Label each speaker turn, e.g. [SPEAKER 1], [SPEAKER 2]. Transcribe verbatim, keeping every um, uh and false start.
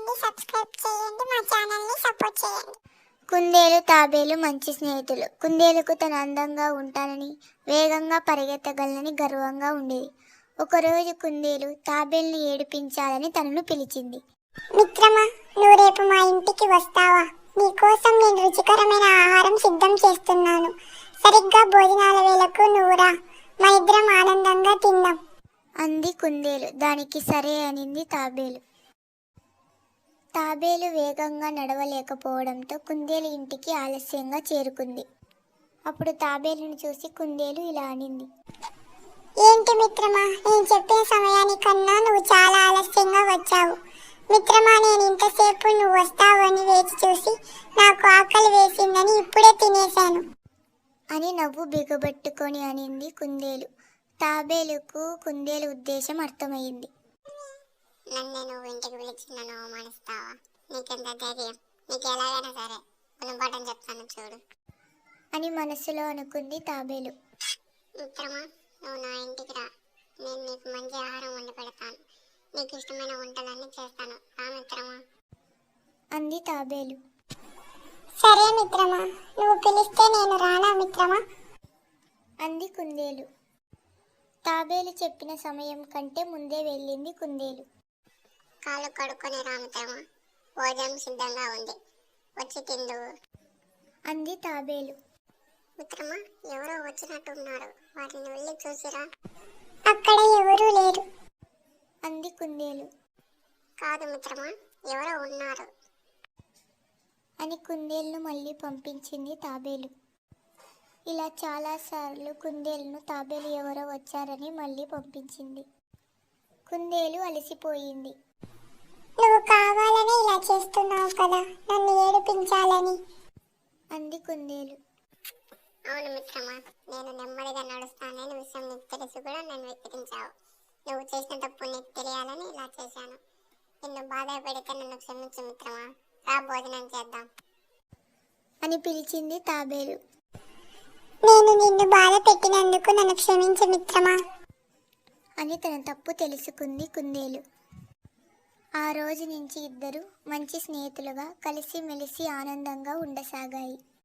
[SPEAKER 1] చేయండి, సబ్స్క్రైబ్ చేయండి, మా ఛానల్ని సపోర్ట్ చేయండి.
[SPEAKER 2] కుందేలు తాబేలు మంచి స్నేహితులు. కుందేలుకు తన అందంగా ఉంటానని, వేగంగా పరిగెత్తగలనని గర్వంగా ఉండేది. ఒకరోజు కుందేలు తాబేలుని ఏడిపించాలని తనను పిలిచింది.
[SPEAKER 1] మిత్రమా, నువ్వు రేపు మా ఇంటికి వస్తావా? నీకోసం నేను రుచికరమైన ఆహారం సిద్ధం చేస్తున్నాను. సరిగ్గా భోజనాల వేళకు నువ్వు రా, మా ఇద్దరం ఆనందంగా తిందాం
[SPEAKER 2] అంది కుందేలు. దానికి సరే అనింది తాబేలు. తాబేలు వేగంగా నడవలేకపోవడంతో కుందేలు ఇంటికి ఆలస్యంగా చేరుకుంది. అప్పుడు తాబేలును చూసి కుందేలు ఇలా అనింది.
[SPEAKER 1] ఏంటి మిత్రమా, నేను చెప్పిన సమయానికన్నా నువ్వు చాలా ఆలస్యంగా వచ్చావు. మిత్రమా, నేను ఇంతసేపు నువ్వు వస్తావు అని వేచి చూసి నాకు ఆకలి వేసిందని ఇప్పుడే తినేశాను
[SPEAKER 2] అని నవ్వు బిగబట్టుకొని అనింది కుందేలు. తాబేలుకు కుందేలు ఉద్దేశం అర్థమైంది.
[SPEAKER 1] నన్ను నువ్వు ఇంటికి పిలిచి నన్ను అవమానిస్తావా? నీకెంత ధైర్యం? నీకు ఎలాగైనా సరే గుణపాఠం చెప్తాను చూడు
[SPEAKER 2] అని మనసులో అనుకుంది తాబేలు.
[SPEAKER 1] మిత్రమా, నువ్వు నా ఇంటికి రా, నేను నీకు మంచి ఆహారం వండి పెడతాను. నీకు ఇష్టమైన వంటలన్నీ చేస్తాను, రా మిత్రమా
[SPEAKER 2] అంది తాబేలు.
[SPEAKER 1] సరే మిత్రమా, నువ్వు పిలిస్తే నేను రానా మిత్రమా
[SPEAKER 2] అంది కుందేలు. తాబేలు చెప్పిన సమయం కంటే ముందే వెళ్ళింది కుందేలు.
[SPEAKER 1] కాళ్ళు కడుక్కొని రా మిత్రమా, భోజనం సిద్ధంగా ఉంది, వచ్చి తిందువు
[SPEAKER 2] అంది తాబేలు.
[SPEAKER 1] మిత్రమా, ఎవరో వచ్చినట్టున్నారు, వాటిని వెళ్ళి చూసిరా. అక్కడ ఎవరూ లేరు
[SPEAKER 2] అంది కుందేలు.
[SPEAKER 1] కాదు మిత్రమా, ఎవరో ఉన్నారు
[SPEAKER 2] అని కుందేలును మళ్ళీ పంపించింది తాబేలు. ఇలా చాలాసార్లు కుందేలును తాబేలు ఎవరో వచ్చారని మళ్ళీ పంపించింది. కుందేలు అలసిపోయింది.
[SPEAKER 1] నువ్వు కావాలని ఇలా చేస్తున్నావు కదా, నన్ను ఏడిపించాలని
[SPEAKER 2] అంది కుందేలు.
[SPEAKER 1] అవును మిత్రమా, నేను నెమ్మదిగా నడుస్తానని విషయం నీకు తెలిసి కూడా నన్ను వెక్కిరించావు. నువ్వు చేసిన తప్పు నీకు తెలియాలని ఇలా చేశాను. నిన్ను బాధ పెడితే నన్ను క్షమించు మిత్రమా, రా భోజనం చేద్దాం
[SPEAKER 2] అని పిలిచింది తాబేలు.
[SPEAKER 1] నేను నిన్ను బాధ పెట్టినందుకు నన్ను క్షమించు మిత్రమా
[SPEAKER 2] అని తన తప్పు తెలుసుకుంది కుందేలు. ఆ రోజు నుంచి ఇద్దరు మంచి స్నేహితులుగా కలిసిమెలిసి ఆనందంగా ఉండసాగాయి.